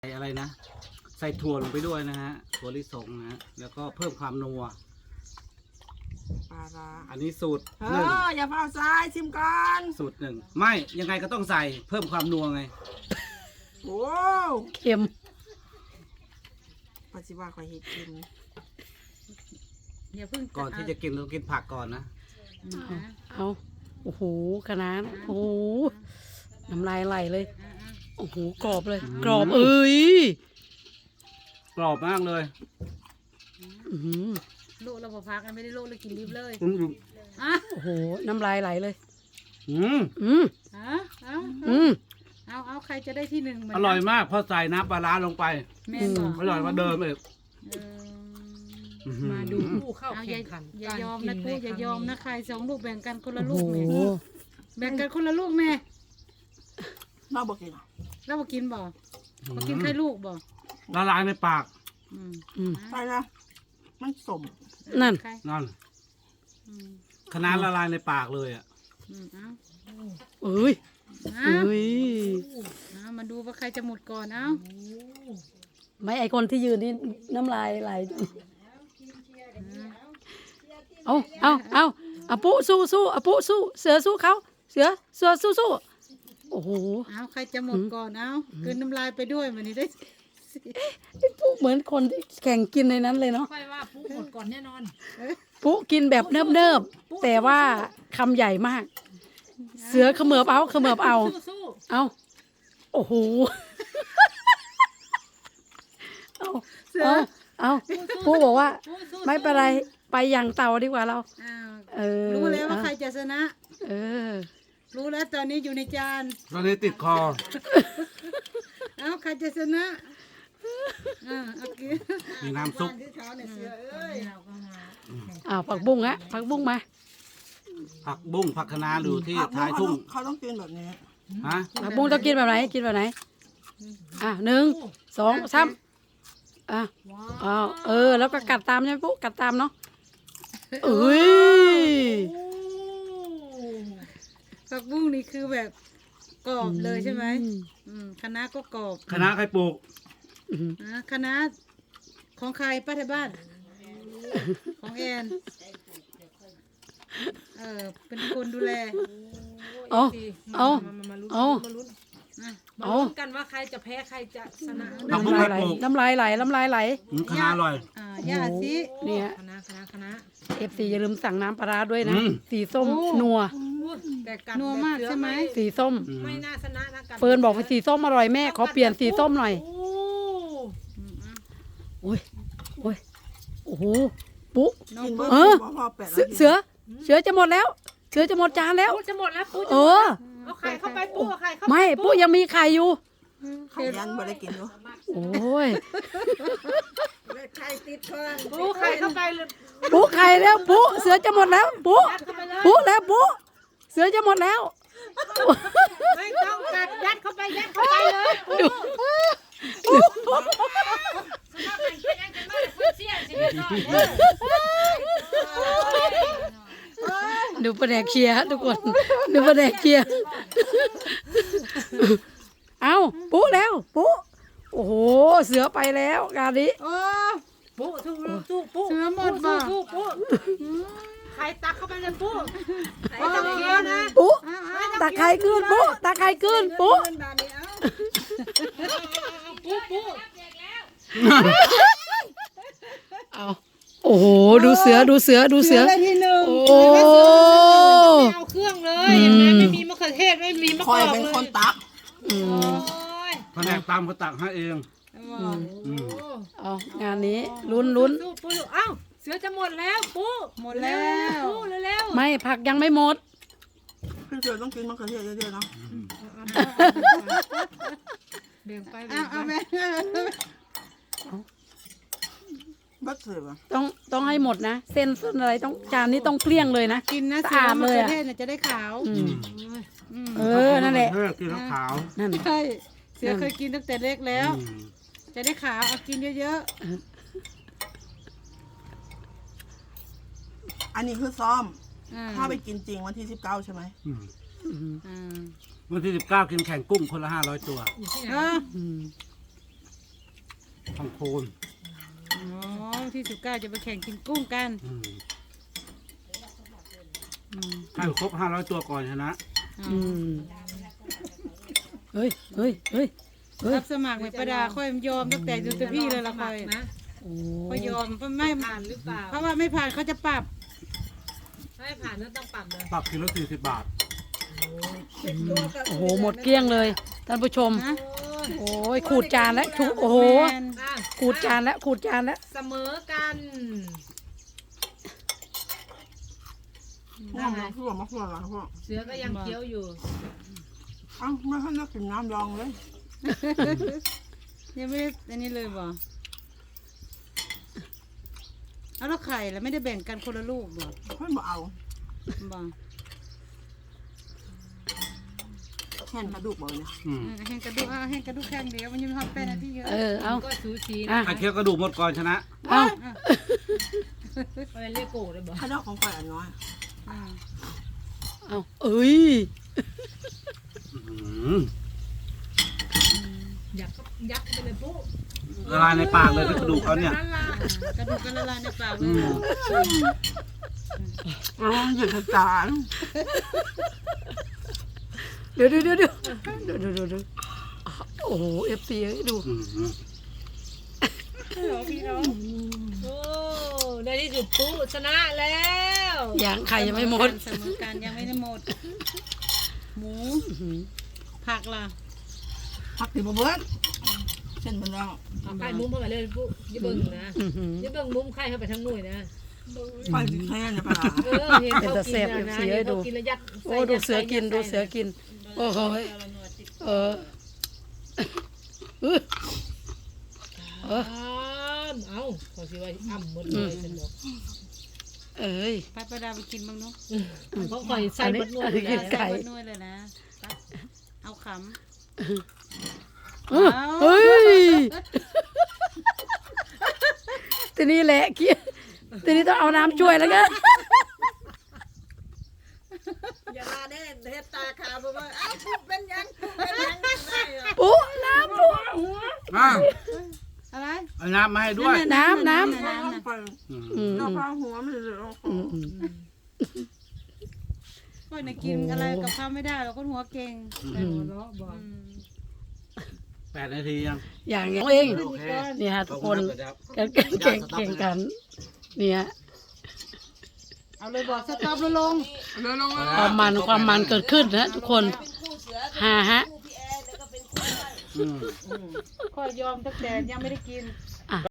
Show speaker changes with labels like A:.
A: ใส่อะไรนะใส่ถั่วลงไปด้วยนะฮะถั่วลิสงนะฮะแล้วก็เพิ่มความนัว
B: ปลาร้า
A: อันนี้สูตร
B: เอ
A: หนึ่ง
B: ออย่าเฝ้าซ้ายชิมก่อน
A: สูตรหนึ่งไม่ยังไงก็ต้องใส่เพิ่มความนัวไง
B: โอ้
C: เค็ม
B: ปัจจุบันขอยเห็ดกิน
D: อย่าเพิ่ง
A: ก่อนที่จะกินต้องกินผักก่อนนะ
C: เอาโอ้โหขนาดโอ้โหน้ำลายไหลเลยโอ้โหกรอบเลย กรอบเอ้ย
A: กรอบมากเลย
C: อื้อหือ
D: โลกเราพอพักกันไม่ได้โลกเลยกินรีบเลย
A: อืม
D: อ่ะ
C: โอ้โหน้ำลายไหลเลย
A: อืม
C: อืม อืม
D: เอาใครจะได้ที่หนึ่งเหมือน
A: อร่อยมากเพราะใส่น้ำปลาร้าลงไป
D: แม่บอก
A: อร่อยกว่าเดิมอีก
D: มาดูผู้เข้าแข่งขันอย่ายอมนะกูอย่ายอมนะใครสองลูกแบ่งกันคนละลูกแม่
C: โอ้โห
D: แบ่งกันคนละลูกแม่
B: น่าบอกกิน
D: แล้วมากินบ่มากินแค่ลูกบ่
A: ละลายในปาก
D: อืม
C: อืม
B: ไปนะมันสม
C: นั่น
D: ใคร
A: นั่น
D: อืม
A: คณะละลายในปากเลยอ่ะ
D: เอา
C: เอ้ย
D: เอา
C: เอ้ย
D: เอามาดูว่าใครจะหมดก่อนเอา
C: ไม่ไอคนที่ยืนนี่น้ำลายไหลเอาปุ๊สู้เอาปุ๊สู้เสือสู้เขาเสือสู้โอ้โห
D: เอาใครจะหมดก่อนเอากลืนน้ำลายไปด้วยวันนี้ได้
C: ไอ้ปุ๊เหมือนคนที่แข่งกินในนั้นเลยเนาะ
E: ค่อยว่าปุ๊หมดก่อนแน่นอน
C: ปุ๊กินแบบเนิบๆแต่ว่าคำใหญ่มาก เสือเขมือบเอา
E: สู้
C: เอาโอ้โหเอาปุ๊บอกว่า ไม่เป็นไรไปอย่างเต่าดีกว่าเรา
D: อ้าว
C: เออ
D: รู้แล้วว่าใครจะชนะ
C: เออ
D: รู้แล้วตอนนี้อยู่ในจาน
A: ตอนนี้ติดคอ
D: เอ้าใครจะชนะโอเค
A: มีน้ำซุป
C: ผักบุ้งฮะผักบุ้งมา
A: ผักบุ้งผักคะน้าอยู่ที่ท้ายทุ่ง
B: เขาต้องกินแบบนี้
A: ฮะ
C: ผักบุ้งต้องกินแบบไหน1 2 3แล้วก็กัดตามใช่ไหมปุ๊กัดตามเนาะเอ้ย
D: ผักบุ้งนี่คือแบบกรอบเลยใช่ไหมคะน้าก็กรอบ
A: คณะใครปลูก
D: คะน้าของใครป้าที่บ้าน ของแอนเป็นคนดูแล
C: เอา
E: มาลุ้นกันว่าใครจะแพ้ใครจะชนะ
A: ผักบุ้ง
C: น้ำ
A: ใค
C: ลาร ยไหล
A: ปลูก
C: น้ำลายไหล
A: คณะอร่อย
D: ย่าสิ
C: เนี่ย
E: คณะ
C: FC อย่าลืมสั่งน้ำปลาร้าด้วยนะ
A: อืม
C: สีส้มนัว
E: แต่กัน
D: นัวมากใช่ไหม
C: สีส้ม
E: ไม่น่าชนะนะกัน
C: เฟิร์นบอกว่าสีส้มอร่อยแม่ขอเปลี่ยนสีส้มหน่อยโอ้ยโอ้โหปุ๊
D: น้อง
B: กิน
D: ปุ๊
B: เบอร์พอแปด
C: เสือจะหมดแล้ว เสือจะหมดจานแล้ว
E: ปุ๊จะหมดแล้วปุ๊
C: เออ
E: เอาไข่เข้าไปปุ๊เอาไข่เข้าไป
C: ไม่ปุ๊ยังมีไข่อยู่
B: ขยันบ่ได้กินด้วย
C: โอ้ย
B: ไข่ติดคอ
E: ปุ๊ไข่เข้าไปเลย
C: ปุ๊ไข่แล้วปุ๊เสือจะหมดแล้วปุ๊แล้วปุ๊เสือจะหมดแล้ว
E: ไม่ต้องกัดยัดเข้าไปเลย
C: ดูประแดกเชียร์ทุกคนดูประแดกเชียร์เอาปุ๊แล้วปุ๊โอ้โหเสือไปแล้วงานนี้
E: ปุ๊สู้ปุ๊
D: เสือหมดบ่
E: สู้ปุ๊ไข่ตักเข้าไปเลยปุ๊ไข่ตักเยอะนะ
C: ปุ๊ตาไข่ขึ้นปุ๊ตาไข่ขึ้นปุ๊
E: ปุ๊
C: เอาโอ้โหดูเสือ
D: ได้ที่หนึ่ง
C: โอ้
E: เอาเครื่องเลยเห็นไหมไม่มีมะเขือเทศไม่มีมะ
B: ค
E: ก
B: อย
E: อก
B: เป็น
E: เล
B: คน
E: ย
B: ตัก
E: โอ้ย
A: แผนกตามเขาตักให้เองอืม
C: เอางานนี้ลุ้น
E: สู้ปุ๊เอ้าเสือจะหมดแล้วปุ๊
D: หมดแล้ว
E: ปุ๊เร็ว
C: ไม่ผักยังไม่หมด
B: พี่เสือต้องกินมะเขือเทศเยอะๆเนาะ
E: เบี่ยงไป
D: เอาแม่
B: บัดเสือป่ะ
C: ต้องให้หมดนะเส้นอะไรต้องจานนี้ต้องเกลี้ยงเลยนะ
D: กินนะ
C: สะ
D: เสือ
C: อาด
D: มะ
C: เลย
D: เขือ
C: อะ
D: เทศเนี่ยจะได้ขาว
C: นั่นแหละ
A: กินแล้วขาว
C: นั่น
D: ใช่เสือเคยกินตั้งแต่เล็กแล้ว
A: อืม
D: จะได้ขาวเอากินเยอะ
B: อันนี้คือซ้อม
D: ๆ
B: ถ้าไปกินจริงวันที่19ใช่ไหม
A: อืม
D: อ่า
A: วันที่19กินแข่งกุ้งคนละ500 ตัว
E: อยู่ที่ไหน
D: เออ
C: อืม
A: ทองโคน
D: อ๋อที่19จะไปแข่งกินกุ้งกัน
A: อืม
D: อืม
A: ให้ครบ500ตัวก่อนชนะ
C: อืมเฮ้ยเฮ้ยเฮ้ยเฮ้ย
D: รับสมัครในประดาค่อยยอมตั้งแต่ดูแต่พี่เลยละค่อย
E: นะ
C: โอ้
D: ค่อยยอมเพราะไม่
E: ผ่านหรือเปล่า
D: เพราะว่าไม่ผ่านเขาจะปรับ
E: ถ้าไม่ผ่านก็ต้องปรับเลย
A: ปรับกิโล40 บาท
C: โอ้โหหมดเกลี้ยงเลยท่านผู้ชม
D: นะ
C: โอ้ยขูดจานแล้วโอ้โห
D: แมน
E: อ่ะ
C: ขูดจานแล้วขูดจานแล้ว
E: เสมอกัน
B: น้ำลองเพื่อมาเพื่ออะไรพวก
E: เสือก็ยังเคี้ยวอยู่
B: อ้าวไม่ให้นักกินน้ำลองเลย
D: ยังไม่ได้อันนี้เลยบ่เอาแล้วไข่แล้วไม่ได้แบ่งกันคนละลูกบ่
B: เพื่อนบอกเอา
D: บ่
B: แค่นกระดูกบอกเนี่ย
A: อืม
D: แห้งกระดูกแห้งกระดูกแข้งเดียวมันยังทำเป็นนาทีเยอะ
C: เอา
E: ก็สูสี
C: อ่ะ
E: นะ
A: ใครเคี้ยวกระดูกหมดก่อนชนะ
C: เอา
E: ไปเรียกโกเลยบอก
B: ข้าวดอกของข่อยอันน้อย
D: อ่า
C: เอาเอ้ย
A: อืม
E: ยักเข้าไปเลยปุ๊
A: ละลายในปากเลยกระดูกเขาเนี่ย
E: นั่นล่ะ
D: กระดูกก็ละลายในปากเล
A: อื
D: ย
A: ม
B: ร้องหยุดจาน
C: เดี๋ยวโอ้โหFC ดู
A: อืม
E: โอ้ในที่สุดปุ๊ชนะแล้ว
C: อย่างไข่ยังไม่หมด
D: เสมอกันยังไม่ได้หมด หมู
C: อื้อหือ
D: ผักล่ะ
B: พักติบเบิ้ลเส้นมันแล้ว
E: เอาไข่มุ้มเข้าไปเลยปุ๊อย่าเบิ่งนะ
C: อื้อหือ
E: อย่าเบิ่งมุ้มไข่เข้าไปทั้งหน่วยนะ
B: ไปถึงแค่เนี่ยปะล่ะ
E: เออเห็นเขากินนะเห็นเขากินแล้วยัด
C: โอ้ดูเสือกินดูเสือกิน โอ้โหยเออเออ
E: เอาขอสิว่าอ่ำหมดเลยฉันบอก
C: เอ้ย
D: ไปประดาไปกินบ้างเนาะ
E: เขาคอยใส่หมดหน่วย
C: อันนี้
E: เลย
C: ไก่
D: ใส่บนนวดเลยนะ เอาข
C: เออเฮ้ยทีนี้แหละเกี้ยทีนี้ต้องเอาน้ำช่วยแล้วกัน
B: อย่ามาแน่เฮ็ดตาขาวบอกว่าอ้าวพูดเป็นยังเป็นยังได้อะ
C: ปุ๊น้ำปุ๊
A: อ้าว
D: ำอะไร
A: เอาน้ำมาให้ด้วย
C: น้ำ
B: น้
D: น้ำ
B: ำไป
A: อืม
C: อืม
B: เราพาหัวมันเลยเอาขอ
C: อื
B: ง
C: ม
D: ก็ในกินอะไรกับข้าวไม่ได้เราก็หัวเก่ง
C: อืม
E: เนาะบอก
A: 8 นาทียัง
C: อย่างเอง
A: โอเค
C: นี่ฮะทุกคน
A: ขอบณรับ
C: เก่งกันเนี่ย
D: เอาเลยบอกสต็อปแล้วลง
B: เร็วลงมา
C: ความมันเกิดขึ้นนะทุกคนฮะ
A: อืม
D: ค่อยยอมตั้งแต่ยังไม่ได้กิน